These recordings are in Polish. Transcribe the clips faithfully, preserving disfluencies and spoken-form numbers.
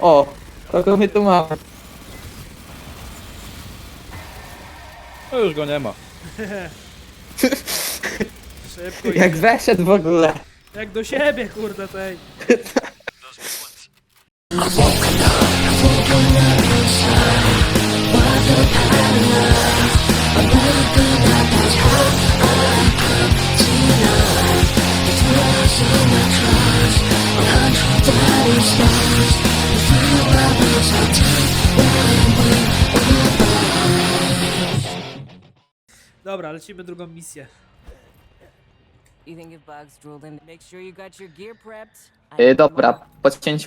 O, kogo my tu mamy? No już go nie ma. Szybko Jak idzie. weszedł w ogóle. Jak do siebie, kurde, tej. Dobra, lecimy drugą misję. You think if bugs drooled in, make sure you got your gear prepped. I Yy, need dobra, more. po cięciu.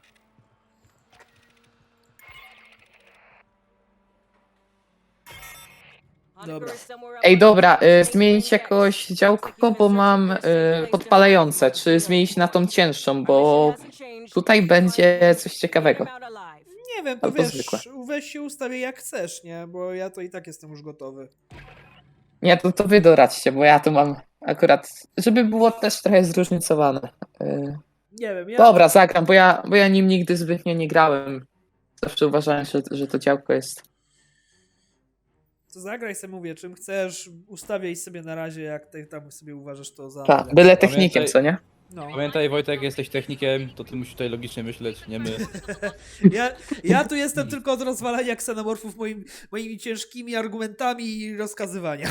Hunter Dobra. is somewhere up Ej, on dobra, the y, train zmienić tracks. jakoś działko, bo mam y, podpalające, czy zmienić na tą cięższą, bo tutaj będzie coś ciekawego. Nie wiem, to Albo wiesz, zwykłe. weź się ustawię jak chcesz, nie? Bo ja to i tak jestem już gotowy. Nie, to, to wy doradźcie, bo ja tu mam akurat, żeby było też trochę zróżnicowane. Y, Nie wiem, ja... Dobra, zagram, bo ja, bo ja nim nigdy zbytnio nie grałem. Zawsze uważałem, że, że to działko jest. To zagraj sobie, mówię, czym chcesz, ustawiaj sobie na razie, jak ty tam sobie uważasz to za... Tak, najlepsze. byle technikiem, Pamiętaj- co nie? No. Pamiętaj Wojtek, jesteś technikiem, to ty musisz tutaj logicznie myśleć, nie my. Ja, ja tu jestem tylko od rozwalania ksenomorfów moim, moimi ciężkimi argumentami i rozkazywania.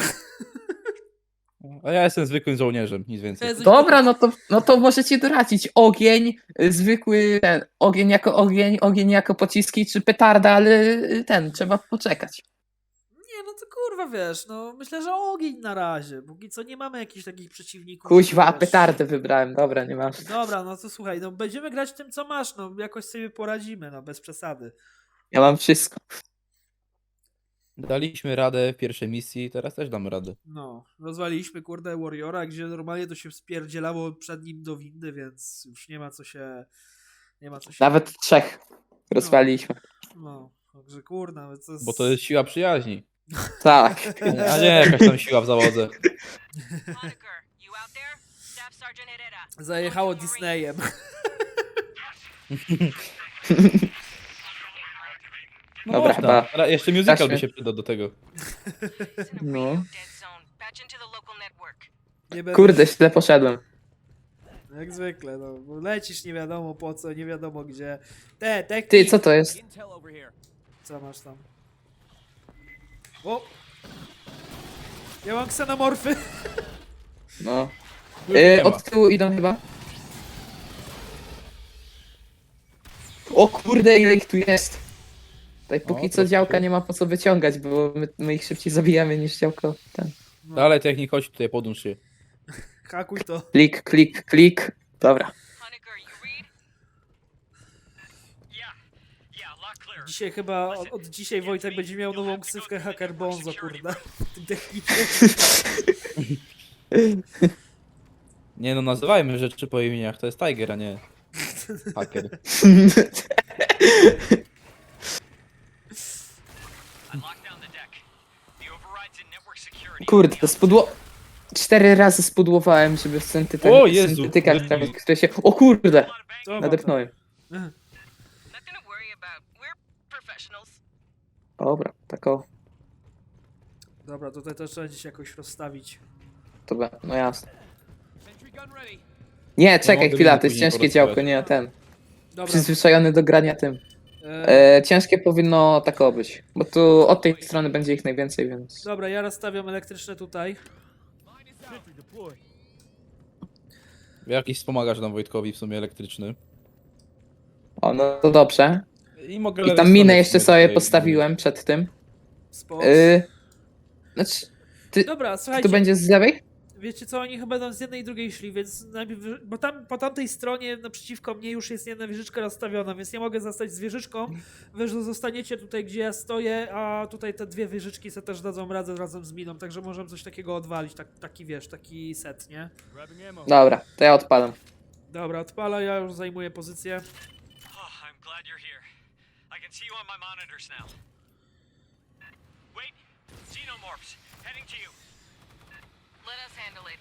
A ja jestem zwykłym żołnierzem, nic więcej. Jezu, Dobra, no to, no to możecie doradzić. Ogień, y, zwykły ten, ogień jako ogień, ogień jako pociski, czy petarda, ale y, ten, trzeba poczekać. Nie, no to kurwa, wiesz, no myślę, że ogień na razie. Póki co nie mamy jakichś takich przeciwników. Kuźwa, a wiesz. petardę wybrałem, dobra, nie ma. Dobra, no to słuchaj, no będziemy grać tym, co masz, no jakoś sobie poradzimy, no bez przesady. Ja mam wszystko. Daliśmy radę w pierwszej misji, teraz też damy radę. No, rozwaliliśmy kurde Warriora, gdzie normalnie to się spierdzielało przed nim do windy, więc już nie ma co się... Nie ma co się... Nawet trzech rozwaliliśmy. No, także kurna, ale co jest... Bo to jest siła przyjaźni. Tak. A nie jakaś tam siła w zawodze. Zajechało Disneyem. No Dobra, można. chyba Ale jeszcze musical taśmy. by się przydał do tego. No. Nie będę... Kurde, źle poszedłem. Jak zwykle, no. Bo lecisz nie wiadomo po co, nie wiadomo gdzie. Te, te... Ty, co to jest? Co masz tam? O! Ja mam ksenomorfy. No. Już nie Y, ma. od tyłu idą chyba. O kurde, ile ich tu jest. Tutaj póki O, co troszkę. działka nie ma po co wyciągać, bo my, my ich szybciej zabijamy niż działko ten. No, Dalej technik, chodź tutaj, podłącz się. hakuj to. Klik, klik, klik. Dobra. Dzisiaj chyba, od, od dzisiaj Wojtek będzie miał nową ksywkę Hacker Bonzo, kurde. W tym technicie. Nie no, nazywajmy rzeczy po imieniach, to jest Tiger, a nie hacker. Kurde, spudło... Cztery razy spudłowałem, żeby w syntyte... O Jezu, syntetykach, wybił. które się... O kurde! Co mam Nadepnąłem. tam? Dobra, tak o. Dobra, tutaj też trzeba gdzieś jakoś rozstawić. To be- no jasne. Nie, czekaj mogę chwila, mi to jest później ciężkie porozmawiać. działko, nie ten. Dobra. Przyzwyczajony do grania tym. E, E, ciężkie powinno tak być, bo tu od tej strony będzie ich najwięcej, więc... dobra, ja rozstawiam elektryczne tutaj. Jakiś wspomagasz nam Wojtkowi w sumie elektryczny. O, no to dobrze. I mogę I lewej tam strony minę w jeszcze sumie sobie tutaj postawiłem przed tym. Spot. Y, znaczy, ty, Dobra, ty słuchajcie. tu będzie z lewej? Wiecie co, oni chyba będą z jednej i drugiej szli, więc najpierw, bo tam po tamtej stronie naprzeciwko mnie już jest jedna wieżyczka rozstawiona, więc nie mogę zostać z wieżyczką. Wy zostaniecie tutaj, gdzie ja stoję, a tutaj te dwie wieżyczki se też dadzą radę razem z miną, także możemy coś takiego odwalić, tak, taki wiesz, taki set, nie? Dobra, to ja odpalam. Dobra, odpala, ja już zajmuję pozycję. Oh, I'm glad you're here. I can see you on my monitors now. Wait, xenomorphs, heading to you. Let us handle it.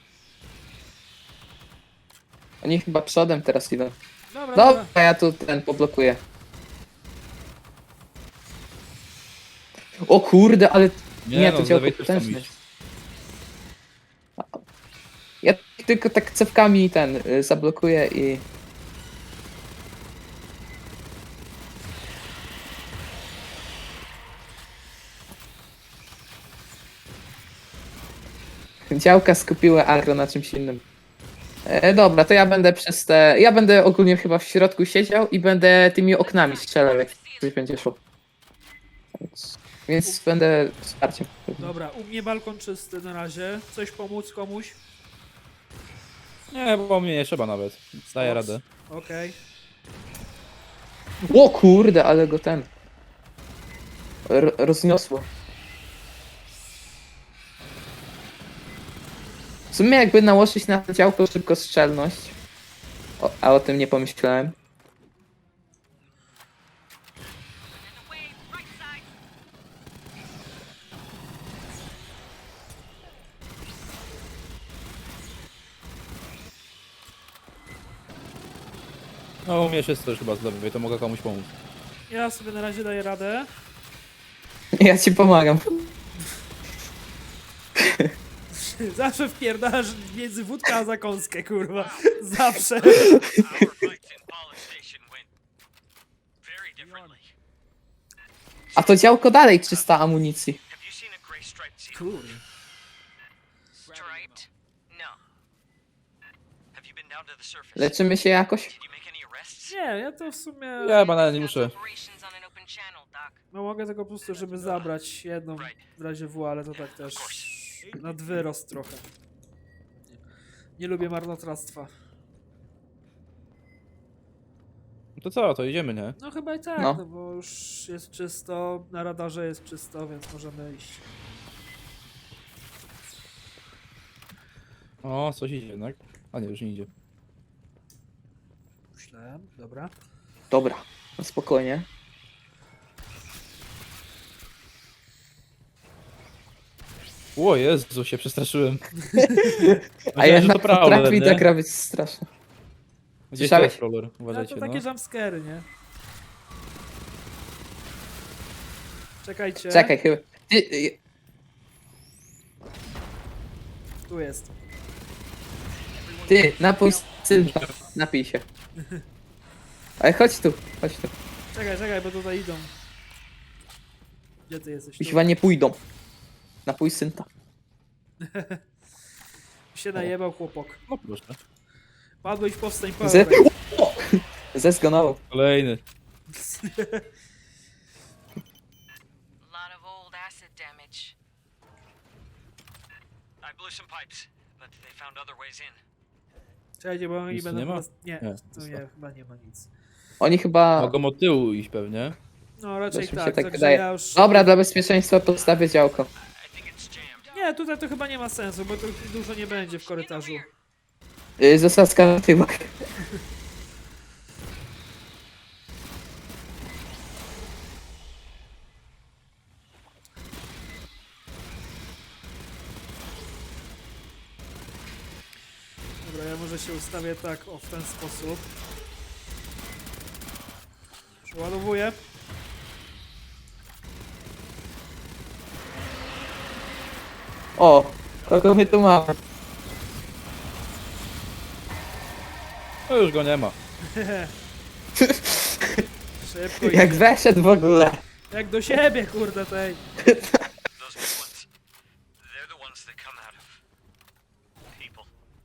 Oni chyba przodem teraz idą. Dobra, dobra. Dobra, ja tu ten poblokuję. O kurde, ale Nie, nie, no, to z działko lewej też tam potężne. iść. Ja tylko tak cewkami ten y, zablokuję i... Działka skupiły agro na czymś innym. E, dobra, to ja będę przez te... Ja będę ogólnie chyba w środku siedział i będę tymi oknami strzelał, jak coś będzie szło. Więc, więc będę wsparciem. Dobra, u mnie balkon czysty na razie. Coś pomóc komuś? Nie, bo mnie nie trzeba nawet. Daję radę. Okej. O kurde, ale go ten... R rozniosło. W sumie jakby nałożyć na to działko szybkostrzelność, o, a o tym nie pomyślałem. No u mnie wszystko już chyba z lewej, to mogę komuś pomóc. Ja sobie na razie daję radę. Ja ci pomagam. Zawsze wpierdasz między wódkę a zakąskę, kurwa. Zawsze. Our fights in Polish Station went very differently. A to działko dalej trzysta amunicji. Have you seen a gray striped seal? Kurde. Striped? No. Have you been down to the surface? Leczymy się jakoś? Did you make any arrests? Nie, ja to w sumie... Ja banalnie nie muszę. Operations on an open channel, Doc. No mogę tego po prostu, żeby zabrać jedną w razie W, ale to tak też nad wyrost trochę. Nie lubię marnotrawstwa. No to co, to idziemy, nie? No chyba i tak, No. no, bo już jest czysto, na radarze jest czysto, więc możemy iść. O, coś idzie jednak. A nie, już nie idzie. Myślałem, dobra. Dobra, no spokojnie. O Jezu, się przestraszyłem. A Myślałem, jednak że to prowler, potrafi nie? ta gra być straszna. Gdzieś to Słyszałeś? jest roller, No uważajcie, to no. takie jumpscary, nie? Czekajcie. Czekaj, chyba... Ty, y, Tu jest. ty napój synta. Napij się. Ale chodź tu, chodź tu. Czekaj, czekaj, bo tutaj idą. Gdzie ty jesteś? Tu. Chyba nie pójdą. Napój synta. Się najebał chłopak. No proszę. Padłeś, powstań, Ze... padłeś. O! Zezgonował. Kolejny. A lot of old acid damage. I blew some pipes, but they found other ways in. Czekajcie, bo oni Nic tu będą... nie ma? nas- Nie, Nie, tu nie, chyba nie ma nic. Oni chyba... Mogą od tyłu iść pewnie. No raczej Też mi się tak, tak także wydaje. ja już... Dobra, dla bezpieczeństwa postawię działko. I think it's jammed. Nie, tutaj to chyba nie ma sensu, bo tu dużo nie będzie w korytarzu. Yy, zasadzka na tyłach. Dobra, ja może się ustawię tak, o, w ten sposób. Przeładowuję. O, kogo my tu mamy? No już go nie ma. Szybko Jak idzie. weszedł w ogóle. Jak do siebie, kurde, tej. Those big ones. They're the ones that come out of people.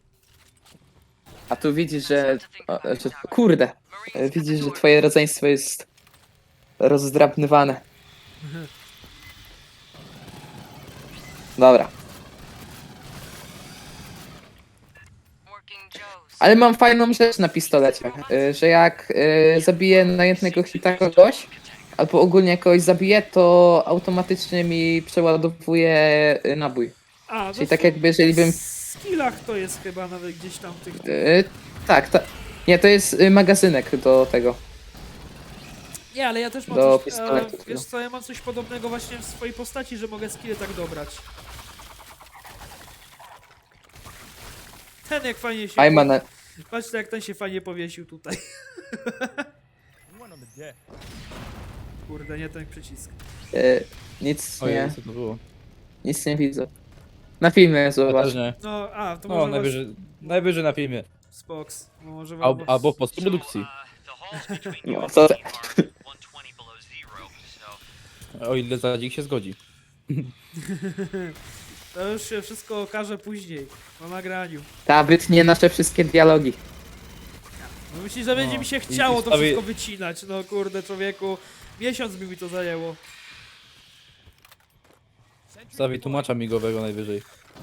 A tu widzisz, że... O, że kurde. E, Widzisz, że twoje rodzeństwo jest rozdrabnywane. Dobra. Working Joes. Ale mam fajną rzecz na pistolecie, y, że jak y, zabiję na jednego hita kogoś, albo ogólnie kogoś zabiję, to automatycznie mi przeładowuje y, nabój. A, Czyli no tak w jakby jeżeli bym... skillach to jest chyba nawet gdzieś tam tych... Y, tak, ta, nie, to jest y, magazynek do tego. Nie, ale ja też mam Do coś... pistoletu, E, wiesz co, ja mam coś podobnego właśnie w swojej postaci, że mogę skille tak dobrać. Ten jak fajnie się... Ajman, na- Patrzcie jak ten się fajnie powiesił tutaj. Kurde, nie ten przycisk. E, nic Ojej, nie, co to było? nic nie widzę. Na filmie Ja zobacz. też nie. No, a, to No, może najwyżej, najwyżej na filmie. was... Spoks. No, może Al, wam... albo w So, postprodukcji. uh, the halls between you No, and co me te- are one twenty below zero, so O ile Zadzik się zgodzi. To już się wszystko okaże później, po nagraniu. Ta wytnie nasze wszystkie dialogi. No myślisz, że będzie No, mi się i- chciało i to wstawi- wszystko wycinać? No kurde, człowieku. Miesiąc by mi to zajęło. Stawi tłumacza migowego najwyżej.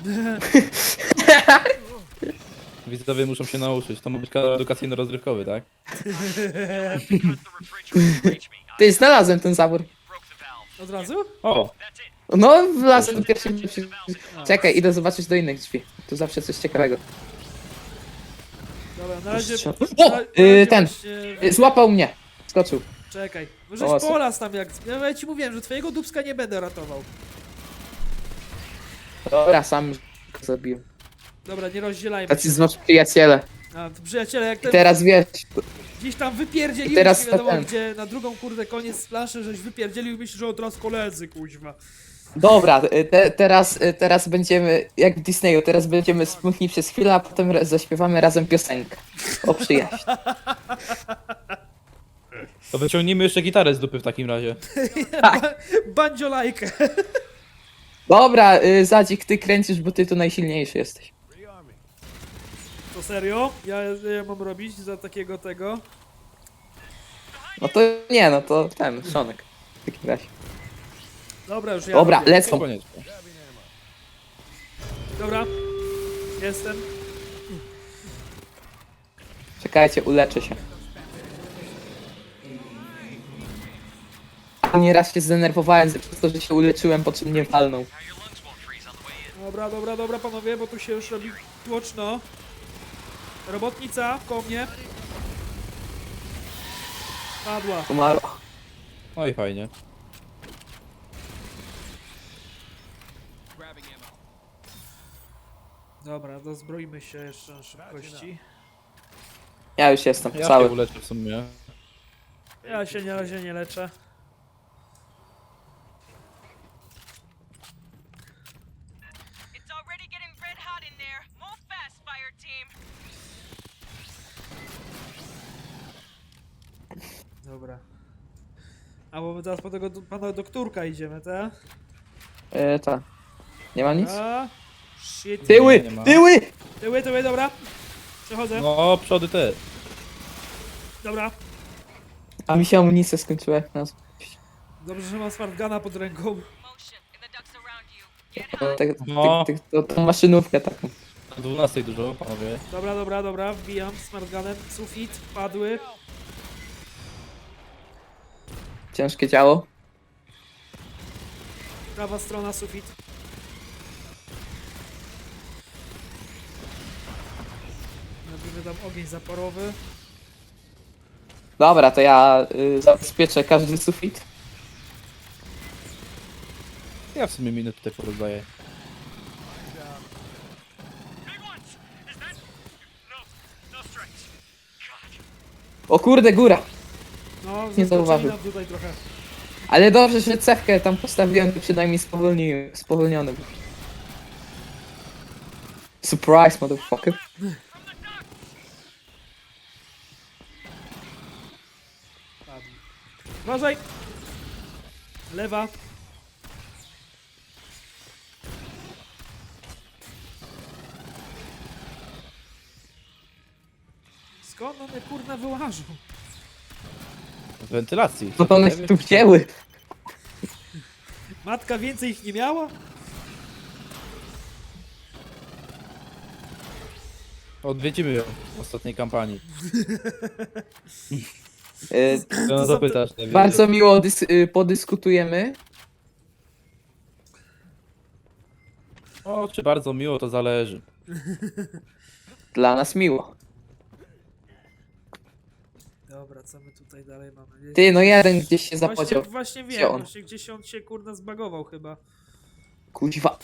Widzowie muszą się nauczyć. To ma być kanał edukacyjno-rozrywkowy, tak? because the refrigerator reached me. I Ty, znalazłem ten zabór. broke the valve. Od razu? O! That's it. No, wlazłem do pierwszej drzwi. Czekaj, idę zobaczyć do innych drzwi. Tu zawsze coś ciekawego. Dobra, na razie... Strzel- na- O! na Y, razie ten! właśnie- Y, Złapał mnie. Skoczył. Czekaj. O, Żeś co? polas tam jak... Ja ci mówiłem, że twojego dubska nie będę ratował. Dobra, sam go zabiłem. Dobra, nie rozdzielajmy Tacy się. znów przyjaciele. A, to przyjaciele, jak I ten teraz wiesz, gdzieś tam wypierdzielił I teraz nie wiadomo ten. gdzie, na drugą kurde koniec planszy, żeś wypierdzielił i myślisz, że od razu koledzy, kuźwa. dobra, y, te, teraz, y, teraz będziemy, jak w Disneyu, teraz będziemy smutni przez chwilę, a potem ra- zaśpiewamy razem piosenkę. O przyjaźń. To wyciągnijmy jeszcze gitarę z dupy w takim razie. Ba bandziolajkę. Dobra, y, Zadzik, ty kręcisz, bo ty tu najsilniejszy jesteś. To serio? Ja, ja mam robić za takiego tego? No to nie, no to ten, Szonek. W takim razie. Dobra, już ja Dobra, robię. lecą. Koniecznie. Dobra. Jestem. Czekajcie, uleczę się. Nieraz się zdenerwowałem ze- przez to, że się uleczyłem, po czym mnie walnął. Now your lungs won't freeze on the way in. Dobra, dobra, dobra panowie, bo tu się już robi tłoczno. Robotnica koło mnie. Padła. Umarła. No i fajnie. Dobra, dozbroimy się jeszcze na szybkości. Ja już jestem, Ja cały. się uleczę w sumie. Ja się na razie nie leczę. It's already getting red hot in there. Move fast, fire team. Dobra. A bo my teraz po tego do- pana doktorka idziemy, tak? E, tak. Nie ma nic? A, shit. Tyły! nie ma. Tyły! Tyły, tyły, dobra. Przechodzę. No, przody te. Dobra. A mi się amunicja skończyła jak nas. Dobrze, że mam smartgana pod ręką. Motion and the ducks around you. Get To, hot. tak- No. tak- tak- to, tą maszynówkę taką. O dwunastej dużo, panowie. Dobra, dobra, dobra. Wbijam smartganem. Sufit, padły. Ciężkie działo. Prawa strona, sufit. Robimy tam ogień zaporowy. Dobra, to ja y, zabezpieczę każdy sufit. Ja w sumie minę tutaj porozdaję. Big ones! Is that... No, no strikes. God. O kurde, góra! No, Nie zaskoczyli zauważył. nam tutaj trochę. Ale dobrze, że cewkę tam postawiłem, to przynajmniej spowolni, spowolniony był. Surprise, motherfucker. Padł. Uważaj! Lewa. Skąd one kurna wyłażą? Z wentylacji. No to one się tu wzięły. Matka więcej ich nie miała? Odwiedzimy ją w ostatniej kampanii. Y, No są zapytasz. nie wiem. bardzo miło dys, y, podyskutujemy. O, czy bardzo miło, to zależy. Dla nas miło. Dobra, co my tutaj dalej mamy? Ty, no jeden gdzieś się Właśnie, zapodział. właśnie Gdzie wiem, on? właśnie gdzieś on się kurna zbagował chyba. Kuźwa,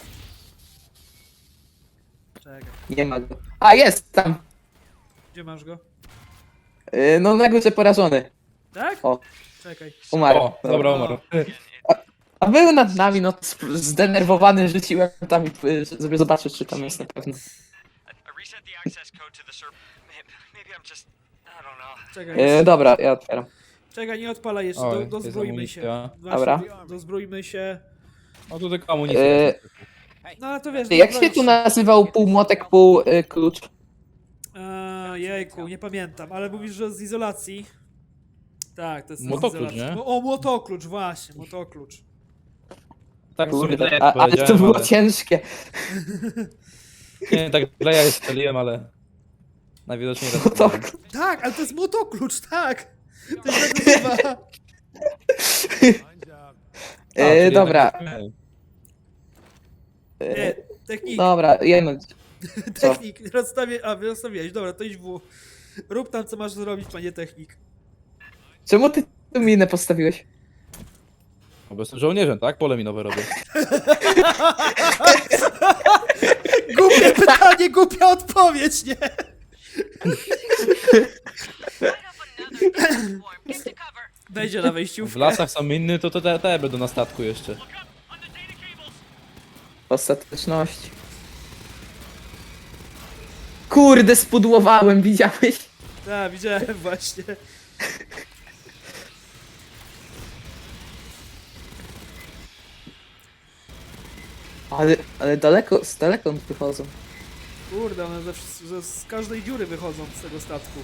Czekaj, nie ma go. A, jest tam! gdzie masz go? Y, no na górze porażony. Tak? O. Czekaj. Umarł. O, dobra, umarł. A był nad nami, no sp- zdenerwowany rzuciłem tam, i, y, żeby zobaczyć, czy tam jest na pewno. I, I reset the access code to the server. Maybe, maybe I'm just, I don't know. Czekaj. E, dobra, ja otwieram. Czekaj, nie odpalaj jeszcze, Oj, do, jest dozbrójmy się. amunicja. Właśnie, Dobra. do- Dozbrójmy się. No tu tylko amunicja. E, No ale to wiesz, Ty, jak się dozbroić tu nazywał pół młotek, pół y, klucz? A, jejku, nie pamiętam, ale mówisz, że z izolacji. Tak, to jest z Młotoklucz, izolacji. nie? No, o, młotoklucz, właśnie, młotoklucz. Tak sobie dla Kurde, ja a, ale to powiedziałem, było ale... ciężkie. Nie, tak dla ja je strzeliłem, ale... Najwidoczniej raz No to, Tak, ale to jest młotoklucz, tak! To się tak nazywa. e, dobra, Nie, technik, dobra, jedno. co? technik, rozstawię, a wy rozstawiłeś, dobra, to idź w. Rób tam, co masz zrobić, panie technik. Czemu ty tu minę postawiłeś? No bo jestem żołnierzem, tak? Pole minowe robię. Głupie pytanie, głupia odpowiedź, nie? Wejdzie na W wejściówkę. lasach są inny, to to te, te będą na statku jeszcze. Ostateczności. Kurde, spudłowałem, widziałeś? Tak, widziałem właśnie. Ale, ale daleko, z daleko wychodzą. Kurde, one ze, wsz- ze, z każdej dziury wychodzą z tego statku.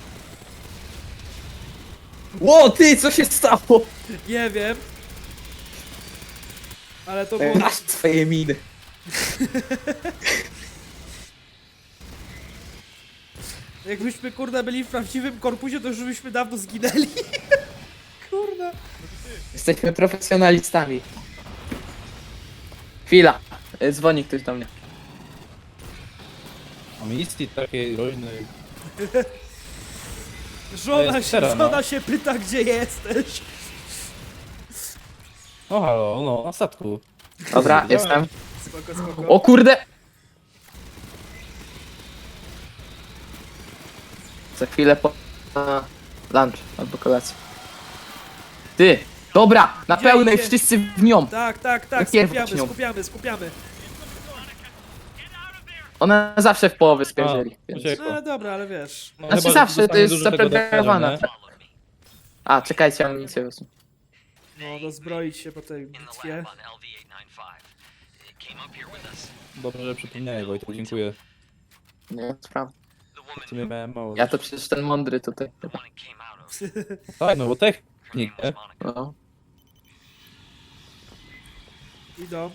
Ło, ty, co się stało? Nie wiem. Ale to było... Masz swoje miny. Jakbyśmy, kurde, byli w prawdziwym korpusie, to już byśmy dawno zginęli. Kurde. Jesteśmy profesjonalistami. Chwila. E, Dzwoni ktoś do mnie. Amunicji takiej rojnej. Żona jest się, teraz, no. żona się pyta, gdzie jesteś. O halo, no, na statku. Dobra, Widziałem. jestem. Spoko, spoko. O kurde! Za chwilę po na lunch albo kolację. Ty! Dobra! Na Gdzie pełnej idzie? wszyscy w nią! Tak, tak, tak, Najpierw skupiamy, zacznią. skupiamy, skupiamy. Ona zawsze w połowie spierdzieli. A, Więc... uciekła. No ale dobra, ale wiesz. No, Znaczy chyba, że zawsze to dostanie jest dużo tego zapreparowana. dokażę, nie? Follow me. A, czekajcie, amunicję wezmę. No, dozbroić się po tej In the bitwie. lab on L V eight ninety-five. It came up here with us. Dobrze, że przypomniałeś, Wojtek, dziękuję. Nie, sprawa. The woman W sumie miałem mało. Ja to przecież ten mądry tutaj. the one it came out of. Tak, no bo technik, Her name nie? was Monica. No. Idą.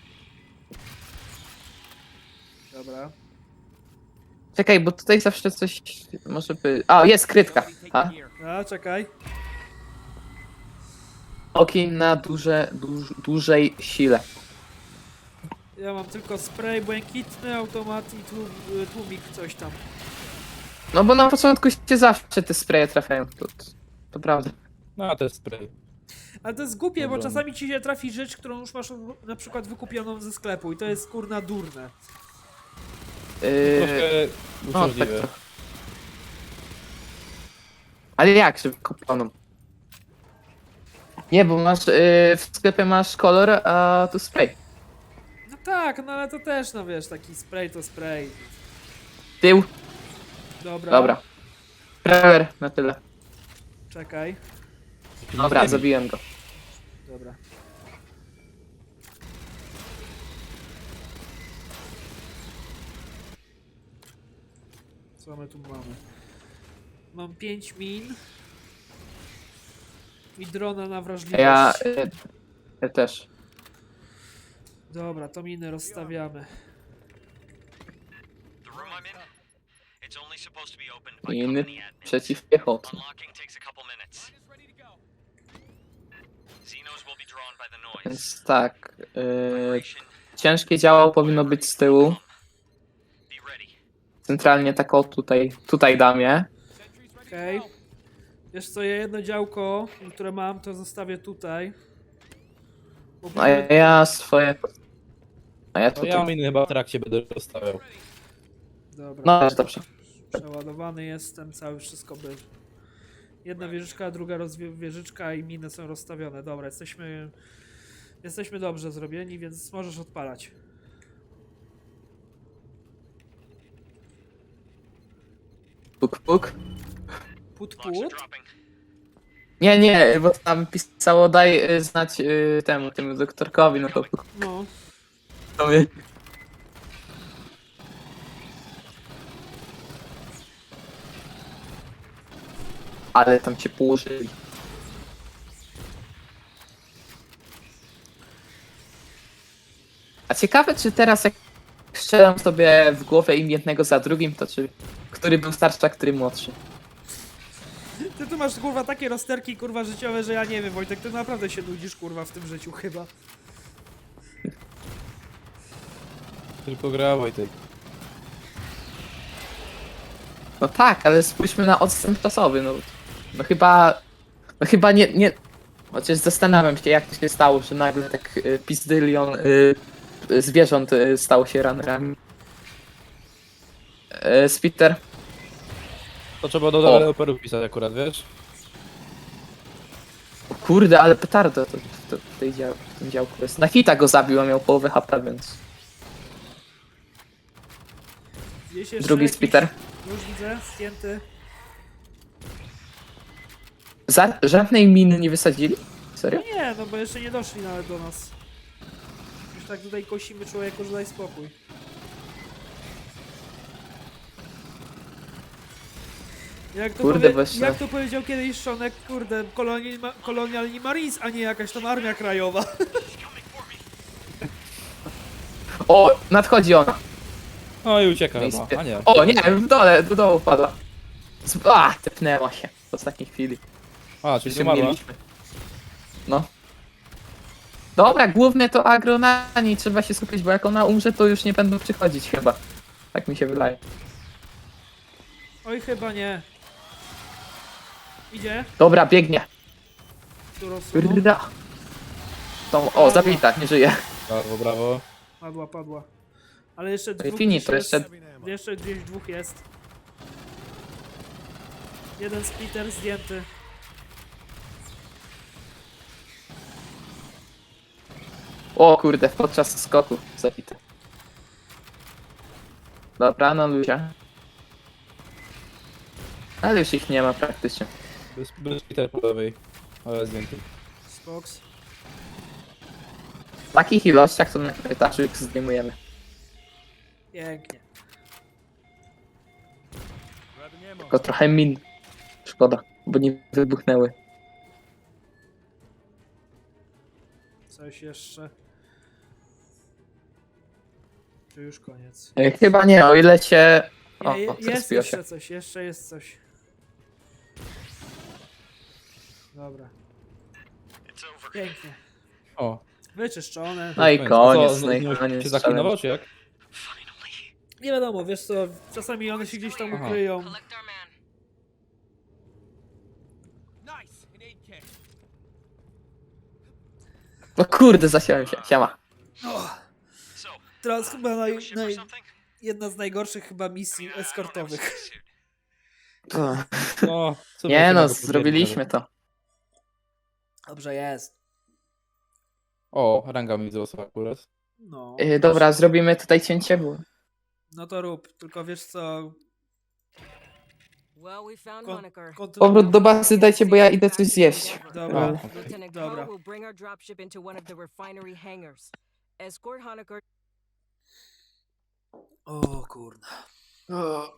Dobra. Czekaj, bo tutaj zawsze coś może by... A, jest krytka. A? A, czekaj. Ogień na duże, duż, dużej sile. Ja mam tylko spray błękitny, automat i tłum, tłumik, coś tam. No bo na początku się zawsze te spreje trafiają. To, to, to prawda. No, a to jest spray. Ale to jest głupie, bo Dobra. czasami ci się trafi rzecz, którą już masz na przykład wykupioną ze sklepu i to jest kurna durne. Yy, Troszkę no, tak uciążliwe. trochę. Ale jak, że kupioną? Nie, bo masz, yy, w sklepie masz kolor, a tu spray. No tak, no ale to też, no wiesz, taki spray to spray. Tył, Dobra. dobra. Prawer, na tyle. Czekaj. Dobra, zabiłem go. Dobra. Co my tu mamy? Mam pięć min. I drona na wrażliwość. Ja, yy, ja też. Dobra, to miny rozstawiamy. The room I'm in, it's only supposed to be opened by Inny company admins. przeciwpiechotny. Unlocking takes a couple minutes. Xenos will be drawn by the noise. Więc tak, yy, Vibration, ciężkie działo powinno być z tyłu. be ready. Centralnie tak o tutaj, tutaj dam je. Okej. Wiesz co, ja jedno działko, które mam, to zostawię tutaj. Bo A ja swoje... A ja No ja tutaj... miny chyba w trakcie będę rozstawiał. Dobra. No, dobrze. Przeładowany jestem, cały wszystko by Jedna wieżyczka, druga rozwie- wieżyczka i miny są rozstawione. Dobra, jesteśmy... Jesteśmy dobrze zrobieni, więc możesz odpalać. Puk, puk. Put, Blocks are put. dropping. Nie, nie, bo tam pisało daj y, znać y, temu, temu doktorkowi, no to puk, No. to my. Ale tam cię położyli. A ciekawe, czy teraz jak strzelam sobie w głowę im jednego za drugim, to czy który był starszy, a który młodszy? Ty tu masz kurwa takie rozterki kurwa życiowe, że ja nie wiem, Wojtek, ty naprawdę się nudzisz kurwa w tym życiu chyba. Tylko gra Wojtek. No tak, ale spójrzmy na odstęp czasowy, no, no chyba, no chyba nie, nie, chociaż zastanawiam się, jak to się stało, że nagle tak y, pizdylion y, y, zwierząt y, stało się runnerami. Y, Spitter, To trzeba do O. deweloperów pisać akurat, wiesz? o kurde, ale petardo to, to, w, tej dział, w tym działku jest. Na hita go zabił, a miał połowę H P, więc Gdzieś jeszcze drugi jakiś- Spitter. Już widzę, zdjęty. Za, żadnej miny nie wysadzili? Serio? No nie, no bo jeszcze nie doszli nawet do nas. Już tak tutaj kosimy człowieku, że daj spokój. Jak to, Kurde, powie, właśnie. jak to powiedział kiedyś Szonek, kurde, kolonialni, ma, kolonialni Marines, a nie jakaś tam armia krajowa. O, nadchodzi ona. No i ucieka No i chyba, spie- a nie. O nie, w dole, do dołu wpadła. Z- A, tepnęła się w ostatniej chwili. A, czyli umarła. Mieliśmy. No. Dobra, główne to agro na niej, trzeba się skupić, bo jak ona umrze, to już nie będą przychodzić chyba. Tak mi się wydaje. Oj, chyba nie. Idzie. Dobra, biegnie. Tu rozsunął. Rda. Tą, o, zabita, nie żyje. Brawo, brawo. Padła, padła. Ale jeszcze dwóch Fini, gdzieś to jest. jeszcze... Jeszcze gdzieś dwóch jest. Jeden splitter zdjęty. O kurde, podczas skoku zabity. Dobra, no ludzie. Ale już ich nie ma praktycznie. Bez, bez Peter po lewej. Ale zdjęty. Spoks. W takich ilościach to na korytarzu ich zdejmujemy. Pięknie. Tylko trochę min. Szkoda, bo nie wybuchnęły. Coś jeszcze. Czy już koniec? E, Chyba nie, o ile się... O, Nie, o je, jest zrespiło się. jeszcze coś, jeszcze jest coś. Dobra, It's over. pięknie. O. Wyczyszczone. No i A koniec, co, no i nie koniec. się zaklinował, challenge. czy jak? Finally. Nie wiadomo, wiesz co, czasami one się gdzieś tam Aha. ukryją. Collect our man. No kurde, zasiałem się, siema. So, Teraz chyba naj, new ship or naj, something? jedna z najgorszych chyba misji I mean, I don't have a eskortowych. spacesuit. No, co Nie by no, tego powiedzieć zrobiliśmy nawet. to. Dobrze jest. O, ranga mi wzrosła akurat. No. Yy, dobra, zrobimy tutaj cięcie, bo... No to rób, tylko wiesz co, Well, we found Kon- Honecker. kontynuuj. Powrót do bazy dajcie, bo ja idę coś zjeść. Dobra. No. Lieutenant Dobra. Crowe will bring our dropship into one of the refinery hangars. Escort Honecker. O kurna. O,